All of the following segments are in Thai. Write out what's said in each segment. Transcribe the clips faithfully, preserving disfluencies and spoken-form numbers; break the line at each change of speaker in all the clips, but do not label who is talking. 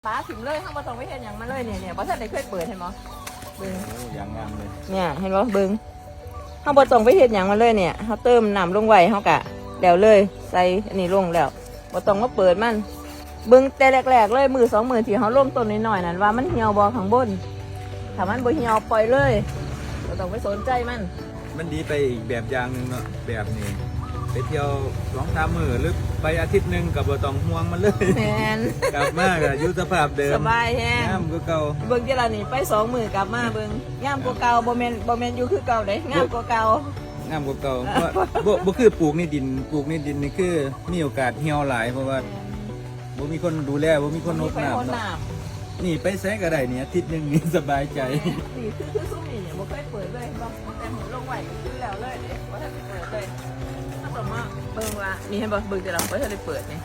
ป้าถิ่มเลยข้างบนตรงไม่เห็นอย่างมาเลยเนี่ยเนี่ยเพราะฉันได้เคยเปิดเห็นมั้ยเบิ้ง
โอ้อย่างงามเลย
เนี่ยเห็นมั้ยเบิ้งข้างบนตรงไม่เห็นอย่างมาเลยเนี่ยเขาเติมน้ำลงไว้เขากะแล้วเลยใส่อันนี้ลงแล้วบนตรงก็เปิดมันเบิ้งแต่แรกๆเลยมือสองมือที่เขาล่มต้นน้อยๆนั่นว่ามันเหี่ยวบอข้างบนถ้ามันบ่เหี่ยวปล่อยเลยเราต้องไปสนใจมัน
มันดีไปอีกแบบอย่างหนึ่งเนาะแบบนี้ไปเที่ยวสองสามมื้อหรือไปอาทิตย์หนึ่งกับบ่ต้องห่วงมันเลย
แมน
กลับมาก็อยู่สภาพเดิม
สบายแฮง
งามกว่าเก่า
เบิ้งที่เรานี่ไปสองมือกลับมาเบิ้งงามกว่าเก่าบ่แมนบ่แมนอยู่คือเก่าเด้งามกว่าเก่าง
ามกว่าเก่าเพราะบ่บ่คือปลูกในดินปลูกในดินนี่คือมีโอกาสเหี่ยวหลายเพราะว่าบ่มีคนดูแลบ่มีคนรดน้ำเนาะนี่ไปแซงก็ได้เนี่ยอาทิตย์หนึงนี่สบายใจ
นี่คือคือซุ้มนี่เนี่ยบ่เคยเปิดเลยบ่แต่หมดลงไว้ก็คือแล้วเลยเด้บ่ทันได้เปิดเลยถ้าต่อมาเบิ่งว่านี่เห็นบ่เบิ่งแต่เราบ่ทันได้เปิดนี่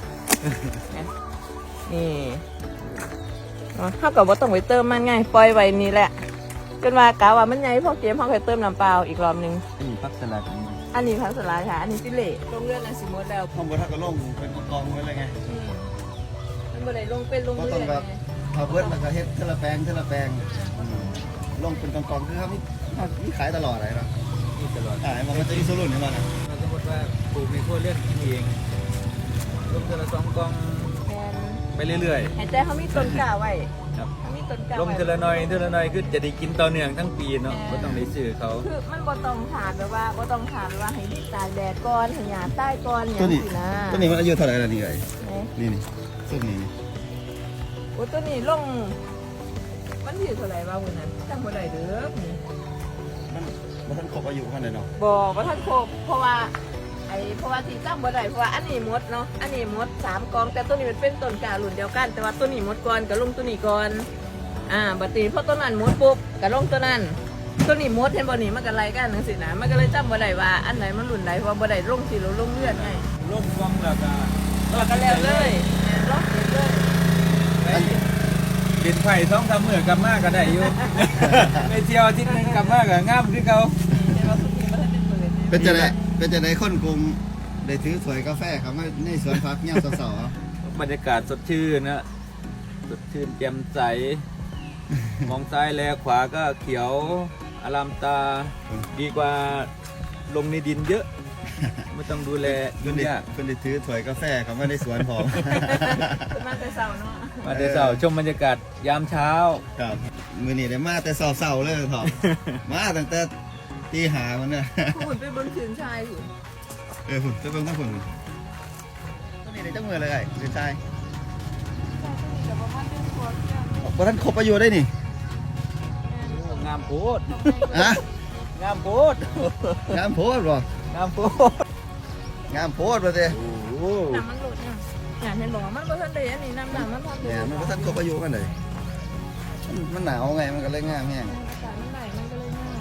นี่เนาะเฮาก็บ่ต้องไปเติมมันไงปล่อยไว้นี่แหละจนว่ากะว่ามันใหญ่พอเกมเฮาค่อยเติมน้ำเปล่าอีกรอบนึง
นี่ผักสลัดนี่
อันนี้ผักสลัดค่ะอันนี้สิเละลงเรือนอันสิหมดแล้ว
ห้องบนทักก็ลงเป็นกองๆไว้เลยไง
อืมมันบ่ได้ลงเป็นลง
ก็
เรื
ต้อง
อน
แบบ
ไง
เอาเบิร์ดแล้วก็เฮ็ดเทละแปลงเทละแปลงอืมลงเป็นกองๆคือเขามีเขามีขายตลอดเลยเนาะ
นี่ตลอด
อ่ามันก็จะมีโซลูนให้มันนะ
เราสมมติว่าปลูกในครัวเรือนกินเองลงเดือนละสองกล่อง
แม่น
ไปเรื่อย
ให้แต่เขามีต้นกล้าไว้
ๆครับ
เขามีต้นกล้า
ลง
ไว้
เทละหน้อยเทละหน้อยคือจะได้กินต่อเนื่องทั้งปีเนาะ
แม่
ก็ต้องได้ซื้อเขา
คือมันบ่ต้องถามแบบว่าบ่ต้องถามแบบว่าให้ดิตากแดดก่อนให้หญ้าใต้ก่อนอย่า
ตัว
ง
นี้
นี้นะ
ตัวนี้มันอายุเท่าไหร่แล้วนี่ไง
เอ๊ะ
นี่นี่ส้มนี่นี่
โอ้ตัวนี้ลงมันอยู่เท่าไหร่วะมื้อนั้นจำบ่ได้เด้อนี่
มันมันทันครบอายุขนาดไหนเนาะ
บ่บ่ทันครบเพราะว่าไอ้เพราะว่าที่จำบ่ได้เพราะว่าอันนี้หมดเนาะอันนี้หมดสามกองแต่ตัวนี้มันเป็นต้นกล้ารุ่นเดียวกัน แต่ว่าตัวนี้หมดก่อนก็ลงตัวนี้ก่อนอ่าบัดนี้พอตัวนั้นหมดปุ๊บก็ลงตัวนั้นตัวนี้หมดเห็นบ่นี่มันก็ไล่กันจังซี่นะมันก็เลยจำบ่ได้ว่าอันไหนมันรุ่นใดเพราะบ่ได้ลงสิเราลงเลือดไง
ลงกล่องแล้วก็
แล้วก็แล้วเลยล็อกเลย
ไปกินไผ่ท้องทำเมื่อกลับมาก็ได้อยู่ ไปเที่ยวอาทิตย์หนึงกลับมาก็งามคือเขา
เดี๋ยวเราสุกี้มาให้เป็นเปิด
เป็นจะได้เป็นจะได้คนกลุ่มได้ถือสวยกาแฟครับมาในสวนพักเงี้ยสาวๆ
บรรยากาศสดชื่นนะสดชื่นแจ่มใส มองซ้ายแลขวาก็เขียวอารามตาดีกว่าลงในดินเยอะ ไม่ต้องดูแล
คุ
ยุ่
ณ
ง
ได้
ยาก
คุณได้ถือถ้วยกาแฟครับมาในสวนผม
มาแต่เช้าเนาะ
มาเดี๋ยวเสาร์ชมบรรยากาศยามเช้า
ครับมือนี้ได้มาแต่เศร้าๆเลยถอด มาตั้งแต่ตีหามันเนี่ย
หุ่นไปบนคืนชายหุ่น
เออหุ่นจะเป็นต้องหุ่นตัวนี้ได้จังมือเลยไอ้เป็นชาย
แต่ว่ามันเป็นตัวเที่ยว
พอท่านครบอายุได้นี่
งามโพด
อะ
งามโพด
งามโพดบ่
งามโพด
งามโพดบ่เต้
โอ้โห
น้ำมันหลุดเนี่ยอย่างเห็นบอกว่ามันบ่ทันได้อันนี้น้ำน้ำมันทันได้
เนี่ยมันพอท่านครบอายุกันเลยมันมันหนาวไงมันก็เลยงามแห้ง
อากาศมันไหลมันก็เลยง่าย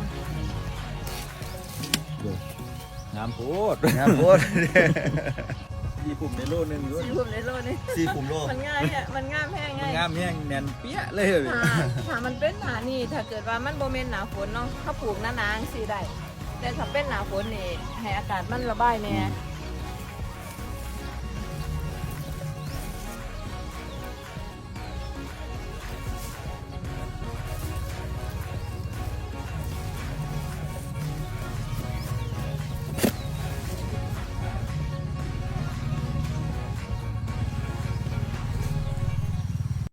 งามโพด
งามโพด
ยี่ปุ่มในโลนึงอยู่
สีผมในโลนี่
สี่ขุมโล
มันง่ายอ่ะมันง่ามแห้ง
มัน
ง่าย
งามแห้งแน่นเปี้ยเลย
ถ้าถ้ามันเป็นหนานี่ถ้าเกิดว่ามันโมเมนหนาฝนเนาะถ้าปลูกหน้านางสีได้แต่ถ้าเป็นหนาฝนนี่ให้อากาศมันระบายแน่